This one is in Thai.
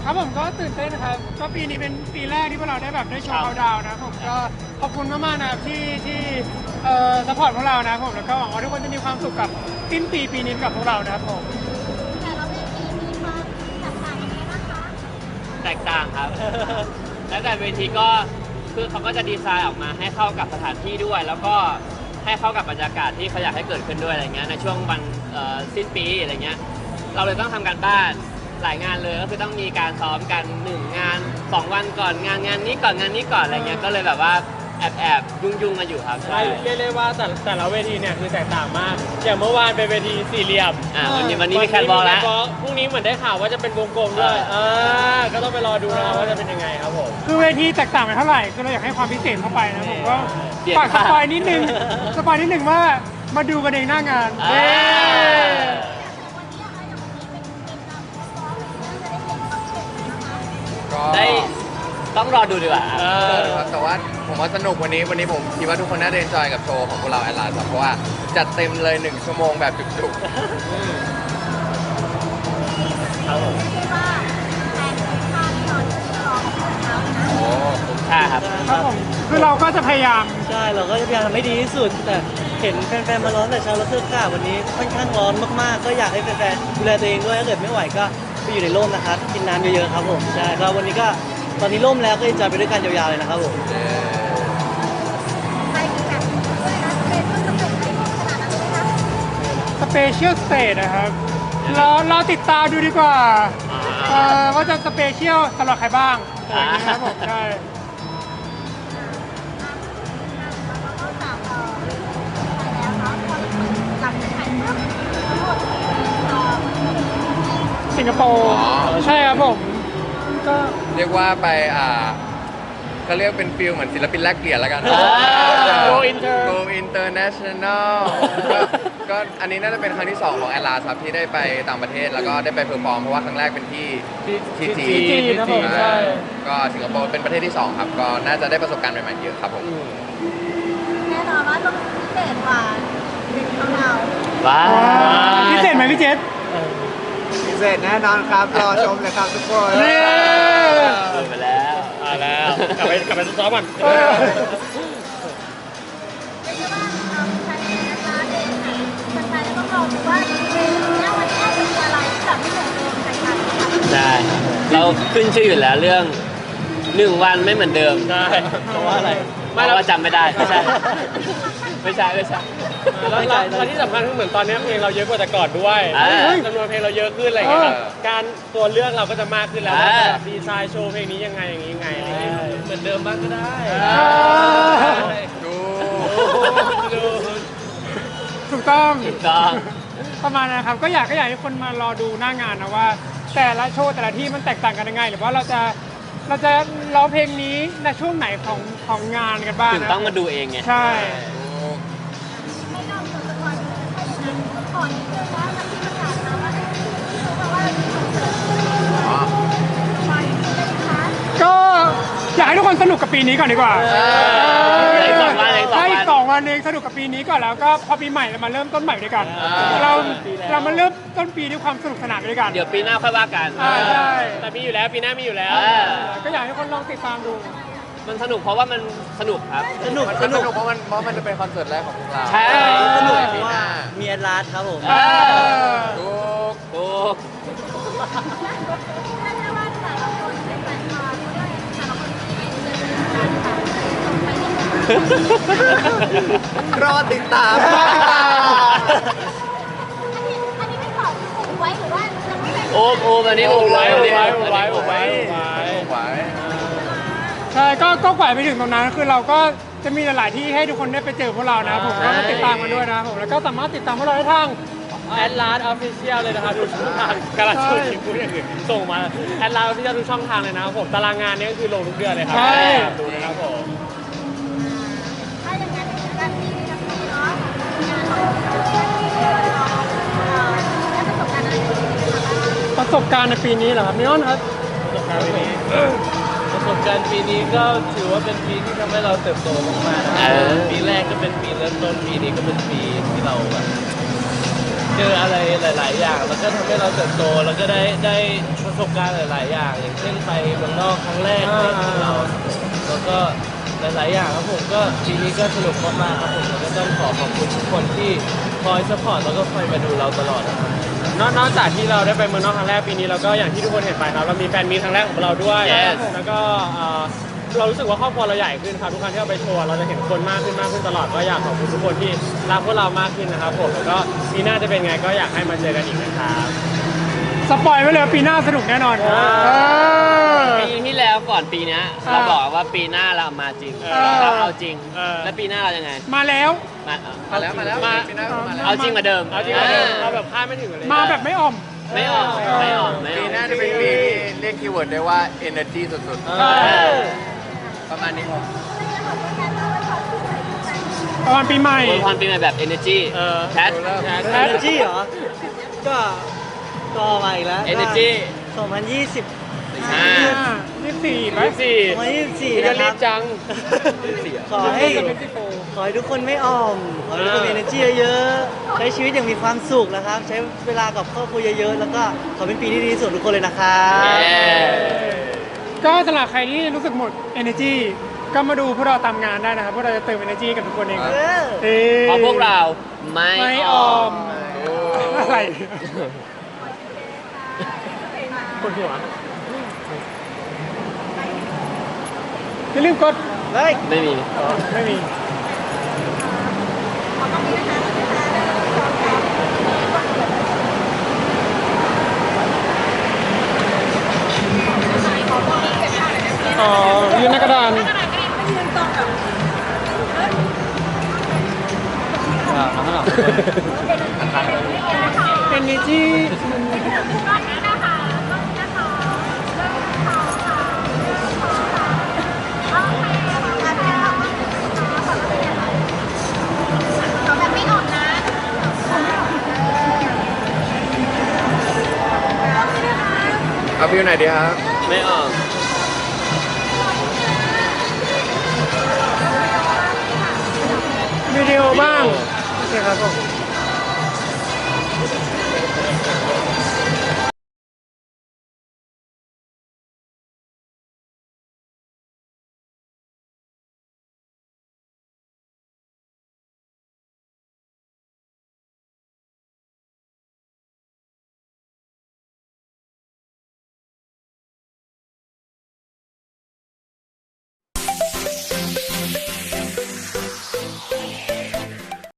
ครับผมก็ตื่นเต้นนะครับก็ปีนี้เป็นปีแรกที่พวกเราได้แบบได้โชว์เขาดาวน์นะผมก็ขอบคุณมากๆนะครับที่ซัพพอร์ตพวกเรานะผมแล้วก็หวังว่าทุกคนจะมีความสุขกับสิ้นปีนี้กับพวกเรานะครับผมแต่ละเวทีมีความแตกต่างยังไงบ้างคะแตกต่างครับ แล้วแต่เวทีก็คือเขาก็จะดีไซน์ออกมาให้เข้ากับสถานที่ด้วย แล้วก็ให้เข้ากับบรรยากาศที่เขาอยากให้เกิดขึ้นด้วยอะไรเงี้ยในช่วงวันสิ้นปีอะไรเงี้ยเราเลยต้องทำการบ้านหลายงานเลยก็คือต้องมีการซ้อมกัน1งาน2วันก่อนงานนี้ก่อนงานนี้ก่อนอะไรเงี้ยก็เลยแบบว่าแอบยุ่งกันอยู่ครับใช่เรียกได้ว่าแต่ละเวทีเนี่ยคือแตกต่างมากอย่างเมื่อวานเป็นเวทีสี่เหลี่ยมวันนี้มีแคนบอลแล้วพรุ่งนี้เหมือนได้ข่าวว่าจะเป็นวงกลมด้วยก็ต้องไปรอดูนะครับว่าจะเป็นยังไงครับผมคือเวทีแตกต่างไปเท่าไหร่คือเราอยากให้ความพิเศษเข้าไปนะผมก็ฝากสปอยนิดนึงว่ามาดูกันเองหน้างานได้ต้องรอดูดีกว่าแต่ว่าผมว่าสนุกวันนี้ผมคิดว่าทุกคนน่าจะเอนจอยกับโชว์ของพวกเราแอดลาสเพราะว่าจัดเต็มเลย1 ชั่วโมงแบบจุกๆครับผมโอ้คุ้มค่าครับครับผมคือเราก็จะพยายามใช่เราก็จะพยายามทำให้ดีที่สุดแต่เห็นแฟนๆมาร้อนแต่เช้าแล้วเสื้อผ้าวันนี้ค่อนข้างร้อนมากๆก็อยากให้แฟนๆดูแลตัวเองด้วยถ้าเกิดไม่ไหวก็ไปอยู่ในร่มนะครับกินน้ำเยอะๆครับผมใช่ก็วันนี้ก็ตอนนี้ร่มแล้วก็จะไปด้วยกันยาวๆเลยนะครับผมสเปเชียลสเตจนะครับเราติดตามดูดีกว่าว่าจะสเปเชียลสำหรับใครบ้างนะครับผมใช่สิงคโปร์ใช่ครับผมก็เรียกว่าไปก็เรียกเป็นฟิลเหมือนศิลปินแลกเปลี่ยนแล้วกัน Go Inter Go International ก็อันนี้น่าจะเป็นครั้งที่2ของแอลลาครับที่ได้ไปต่างประเทศแล้วก็ได้ไปเพอร์ฟอร์มเพราะว่าครั้งแรกเป็นที่จีนนะผมใช่ก็สิงคโปร์เป็นประเทศที่2ครับก็น่าจะได้ประสบการณ์ใหม่ๆเยอะครับผมแน่นอนว่าต้องพิเศษกว่าดึงของเราว้าวพิเศษไหมพี่เจษพิเศษแน่นอนครับรอชมเลยครับทุกคนไปแล้วกลับไปซ้อมก่อนเรียกได้ว่าเราใช้ในร้านเองค่ะแฟนๆต้องรอดูว่าเมนูนี้วันนี้จะมีอะไรแบบไม่เหมือนเดิมแตกต่างกันใช่เราขึ้นชื่ออยู่แล้วเรื่อง1 วันไม่เหมือนเดิมใช่เพราะว่าอะไรไม่เราจำไม่ได้ไม่ใช่แล้วที่สำคัญคือเหมือนตอนนี้เพลงเราเยอะกว่าแต่ก่อนด้วยจำนวนเพลงเราเยอะขึ้นอะไรอย่างเงี้ยการตัวเลือกเราก็จะมากขึ้นแล้วดีไซน์โชว์เพลงนี้ยังไงอย่างนี้ไงเหมือนเดิมบ้างก็ได้ถูกต้องประมาณนะครับก็อยากให้คนมารอดูหน้างานนะว่าแต่ละโชว์แต่ละที่มันแตกต่างกันยังไงหรือว่าเราจะร้องเพลงนี้ในช่วงไหนของงานกันบ้างถึงต้องมาดูเองไงใช่ให้เราจดจำวันให้ดูก่อนนิดนึงว่ามันที่ประกาศมาว่าก็อยากให้ทุกคนสนุกกับปีนี้ก่อนดีกว่าอีก2 วันเองสนุกกับปีนี้ก่อนแล้วก็พอปีใหม่เรามาเริ่มต้นใหม่ด้วยกันเรามาเริ่มต้นปีด้วยความสนุกสนานด้วยกันเดี๋ยวปีหน้าค่อยว่ากันใช่แต่มีอยู่แล้วปีหน้ามีอยู่แล้วก็อยากให้คนลองติดตามดูมันสนุกเพราะว่ามันสนุกครับสนุกเพราะมันจะเป็นคอนเสิร์ตแรกของพวกเราใช่สนุกเพราะว่ามีแอดลาสครับผมถูกรอติดตามอันนี้ไม่บอกอุบไว้หรือว่าจะไม่เป็นโอ้อันนี้อุบไว้ใช่ก็กว่าไปถึงตรงนั้นคือเราก็จะมีหลายๆที่ให้ทุกคนได้ไปเจอพวกเรานะผมก็ติดตามกันด้วยนะผมแล้วก็สามารถติดตามพวกเราได้ทางแอดลาสออฟฟิเชียลเลยนะครับทุกช่องทางกำลังช่วยพูดอย่างอื่นส่งมาแอดลาสออฟฟิเชียลทุกช่องทางเลยนะครับผมตารางงานนี้ก็คือลงทุกเดือนเลยครับดูนะครับผมถ้าอย่างนั้นการมีทั้งนี้เนาะประสบการณ์ในปีนี้เหรอครับมิออนครับประสบการณ์ปีนี้ก็ถือว่าเป็นปีที่ทำให้เราเติบโตมากๆนะครับปีแรกก็เป็นปีเริ่มต้นปีนี้ก็เป็นปีที่เราแบบเจออะไรหลาย ๆ อย่าง แล้วก็ทำให้เราเติบโตแล้วก็ได้ประสบการณ์หลาย ๆ อย่าง อย่างเช่นไปเมืองนอกครั้งแรกของเราแล้วก็หลาย ๆ อย่างครับผมก็ปีนี้ก็สนุกมาก ๆ ครับผมแล้วก็ต้องขอบคุณทุกคนที่คอยซัพพอร์ตแล้วก็คอยมาดูเราตลอดนะครับนอกจากที่เราได้ไปเมืองนอกครั้งแรกปีนี้เราก็อย่างที่ทุกคนเห็นไปครับเรามีแฟนมีตครั้งแรกของเราด้วย Yes แล้วก็เรารู้สึกว่าครอบครัวเราใหญ่ขึ้นครับทุกครั้งที่เราไปโชว์เราจะเห็นคนมากขึ้นตลอดก็อยากขอบคุณทุกคนที่รักพวกเรามากขึ้นนะครับผมแล้วก็ปีหน้าจะเป็นไงก็อยากให้มาเจอกันอีกนะครับสปอยไว้เลยปีหน้าสนุกแน่นอนปีที่แล้วก่อนปีเนี้ยเราบอกว่าปีหน้าเรามาจริงเราเอาจริง แล้วปีหน้าเรายังไงมาแล้วมามาแล้วปีหน้ามาแล้วเอาจริงกว่าเดิมเอาจริงกว่าเดิมเราแบบคาดไม่ถึงเลยมาแบบไม่อ่อมไม่ออกไม่ออกไม่อปีอกหน้าจะเป็นปีที่เรียกคีย์เวิร์ดได้ว่า energy สุดใช่ๆ ประมาณนี้ประมาณปีใหม่อวยพรปีใหม่แบบ energy แคทเอเนจีเหรอ ก็มาอีกแล้ว energy 2020 24ไหม 2024 ก็นะครีรับบจังขอให้ทุกคนไม่อ่อม ขอให้ทุกคนมี energy เยอะๆ ใช้ชีวิตอย่างมีความสุขนะครับ ใช้เวลากับครอบครัวเยอะๆ แล้วก็ขอเป็นปีที่ดีที่สุดทุกคนเลยนะครับก็สำหรับใครที่รู้สึกหมด energy ก็มาดูพวกเราตามงานได้นะครับพวกเราจะเติม energy กับทุกคนเองครับเพราะพวกเราไม่ไม่ออ่ออมมอะไรคนหัวอย่าลืมกดเฮ้ยไม่มีไม่มี อ๋อยืนหน้ากระดาน energy เอาวิวไหนดีครับไม่ออกวิดีโอบ้างโอเคครับผม